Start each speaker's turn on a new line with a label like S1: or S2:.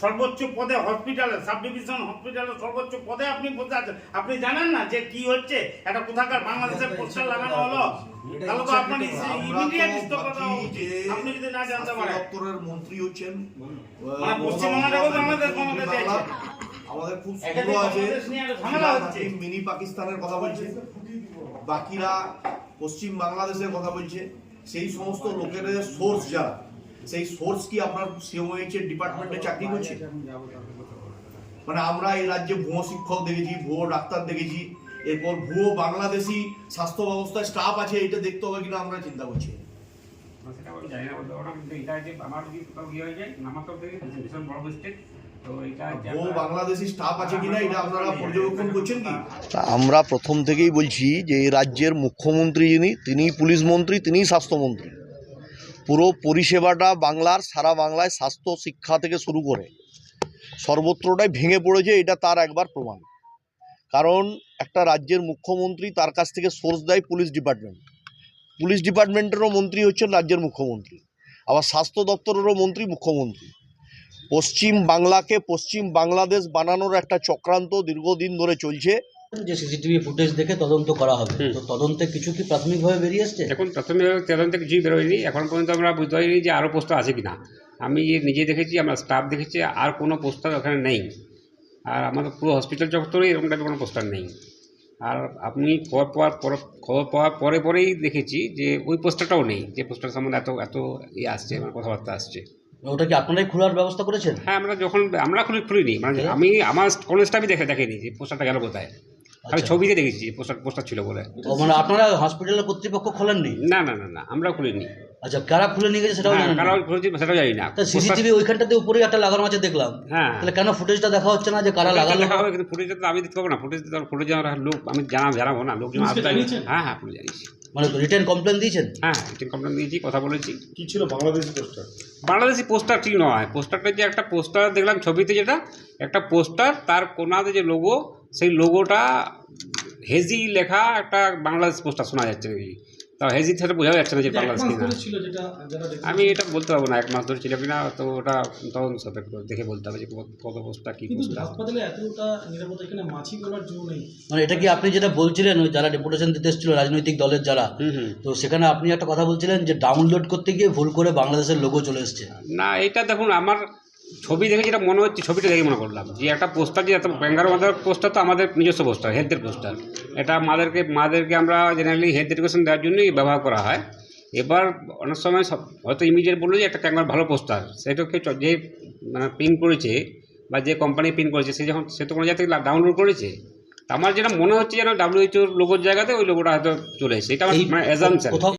S1: সর্বোচ্চ পদে হসপিটালে, সাব ডিভিশন হসপিটালে সর্বোচ্চ পদে আপনি বসে আছেন, আপনি জানেন না যে কি হচ্ছে? একটা কোথাকার বাংলাদেশের পোস্টার লাগানো হলো, তাহলে তো আপনার ইমিডিয়েট স্টপ করা উচিত। আপনি যদি না জানতে পারেন,
S2: দপ্তরের মন্ত্রী হচ্ছেন
S1: মানে পশ্চিমবঙ্গের বাংলাদেশ ক্ষমতা দিয়েছে,
S2: আমাদের খুব
S1: একাধিক
S2: সুন্দর আছে।
S1: বাংলাদেশ নিয়ে একটা ঝামেলা হচ্ছে।
S2: মিনি পাকিস্তানের কথা বলছে, বাকিরা পশ্চিম বাংলাদেশের কথা বলছে। সেই সমস্ত লোকের সোর্স যারা, সেই সোর্স কি আপনার সিএমওএইচ এর ডিপার্টমেন্টে চাকরি করছে? মানে আমরা এই রাজ্যে ভুয়ো শিক্ষক দেখেছি, ভুয়ো ডাক্তার দেখেছি, এরপর ভুয়ো বাংলাদেশি স্বাস্থ্য ব্যবস্থায় স্টাফ আছে, এটা দেখতে হবে কিনা আমরা চিন্তা করছি।
S3: সেটা আমি জানি না বলতে পারবো, কিন্তু এটা যে আমার যদি কোথাও গিয়ে হয়ে যায় আমার তো দেখি ভীষণ বড় মিস্টেক। তো এটা
S2: ভুয়ো বাংলাদেশি স্টাফ আছে কিনা এটা আপনারা পর্যবেক্ষণ করছেন কি?
S4: আমরা প্রথম থেকেই বলছি যে এই রাজ্যের মুখ্যমন্ত্রী যিনি, তিনিই পুলিশ মন্ত্রী, তিনিই স্বাস্থ্যমন্ত্রী। পুরো পরিষেবাটা বাংলার, সারা বাংলায় স্বাস্থ্য শিক্ষা থেকে শুরু করে সর্বত্রটাই ভেঙে পড়েছে, এটা তার একবার প্রমাণ। কারণ একটা রাজ্যের মুখ্যমন্ত্রী, তার কাছ থেকে সোর্স দেয় পুলিশ ডিপার্টমেন্ট, পুলিশ ডিপার্টমেন্টেরও মন্ত্রী হচ্ছেন রাজ্যের মুখ্যমন্ত্রী, আবার স্বাস্থ্য দপ্তরেরও মন্ত্রী মুখ্যমন্ত্রী। পশ্চিম বাংলাকে পশ্চিম বাংলাদেশ বানানোর একটা চক্রান্ত দীর্ঘদিন ধরে চলছে।
S5: যে সিসিটিভি ফুটেজ দেখে তদন্ত করা হবে, তো তদন্তে কিছু কি প্রাথমিকভাবে বেরিয়ে আসছে?
S3: এখন প্রথমে তদন্তে কিছুই বেরোয়নি, এখন পর্যন্ত আমরা বুঝতে পারিনি যে আরও পোস্টার আছে কিনা। আমি নিজে দেখেছি, আমরা স্টাফ দেখেছি, আর কোনো পোস্টার ওখানে নেই। আর আমাদের পুরো হসপিটাল চত্বরে এরকম টাইপের কোনো পোস্টার নেই। আর আপনি খবর পাওয়ার পরেই দেখেছি যে ওই পোস্টারটাও নেই, যে পোস্টার সম্বন্ধে এত আসছে, আমার কথাবার্তা আসছে।
S5: ওটা কি আপনারাই খোলার ব্যবস্থা করেছেন?
S3: হ্যাঁ, আমরা খুলিনি, মানে আমি আমার কোনো স্টাফই দেখেনি যে পোস্টারটা গেল কোথায়। আমি ছবিতে দেখেছি পোস্টার ছিল বলে।
S5: মানে আপনারা হসপিটালের কর্তৃপক্ষ খোলেননি?
S3: না, আমরা খুলিনি।
S5: আচ্ছা, কারা খুলে নিয়ে গেছে সেটাও জানেন না?
S3: কারা খুলেছে সেটাও জানি না।
S5: সিসিটিভি ওইখানটাতে উপরে একটা লাগানো আছে দেখলাম।
S3: হ্যাঁ,
S5: তাহলে কেন ফুটেজটা দেখা হচ্ছে না যে কারা লাগালো?
S3: দেখা হবে, কিন্তু ফুটেজটা তো আমি দিতে পারবো না। ফুটেজ লোক আমি জানাবো না, লোকজন আসবে। হ্যাঁ, পুলিশ জানিয়েছি।
S5: মানে রিটেন কমপ্লেন দিয়েছেন?
S3: হ্যাঁ, রিটেন কমপ্লেন দিয়েছি, কথা বলেছি।
S2: কি ছিল বাংলাদেশি পোস্টার?
S3: বাংলাদেশি পোস্টার ঠিক নয়। পোস্টারটা যে একটা পোস্টার দেখলাম ছবিতে, যেটা একটা পোস্টার, তার কোনাতে যে লোগো, সেই লোগোটা হেজি লেখা একটা বাংলাদেশ পোস্টার শোনা যাচ্ছে নাকি। তা হেজি থেকে বোঝা যাচ্ছে না যে বাংলাদেশ কিনা। আমি এটা বলতে পারবো না 1 মাস ধরে ছিল কিনা, তো ওটা তদন্ত সাপেক্ষ দেখে বলতে হবে যে কত পোস্টার কি পোস্টার।
S5: মানে এটা কি আপনি যেটা বলছিলেন, ওই যারা ডেপুটেশন দিতে এসেছিল রাজনৈতিক দলের যারা, তো সেখানে আপনি একটা কথা বলছিলেন যে ডাউনলোড করতে গিয়ে ভুল করে বাংলাদেশের লোগো চলে এসছে?
S3: না, এটা দেখুন, আমার ছবি দেখে যেটা মনে হচ্ছে, ছবিটা দেখে মনে করলাম যে একটা পোস্টার, যে এত ব্যাঙ্গার আমাদের পোস্টার, তো আমাদের নিজস্ব পোস্টার, হেলথের পোস্টার। এটা মাদেরকে আমরা জেনারেলি হেলথ এডুকেশন দেওয়ার জন্যই ব্যবহার করা হয়। এবার অনেক সময় হয়তো ইমিডিয়েট বললো যে একটা ক্যাঙ্গার ভালো পোস্টার, সেটাকে যে মানে প্রিন্ট করেছে বা যে কোম্পানি প্রিন্ট করেছে, সে তো কোনো জায়গা থেকে ডাউনলোড করেছে। তা আমার যেটা মনে হচ্ছে যেন WHO লোগোর জায়গাতে ওই লোগোটা হয়তো চলে এসেছে, এটা আমার মানে অ্যাজাম্পশন।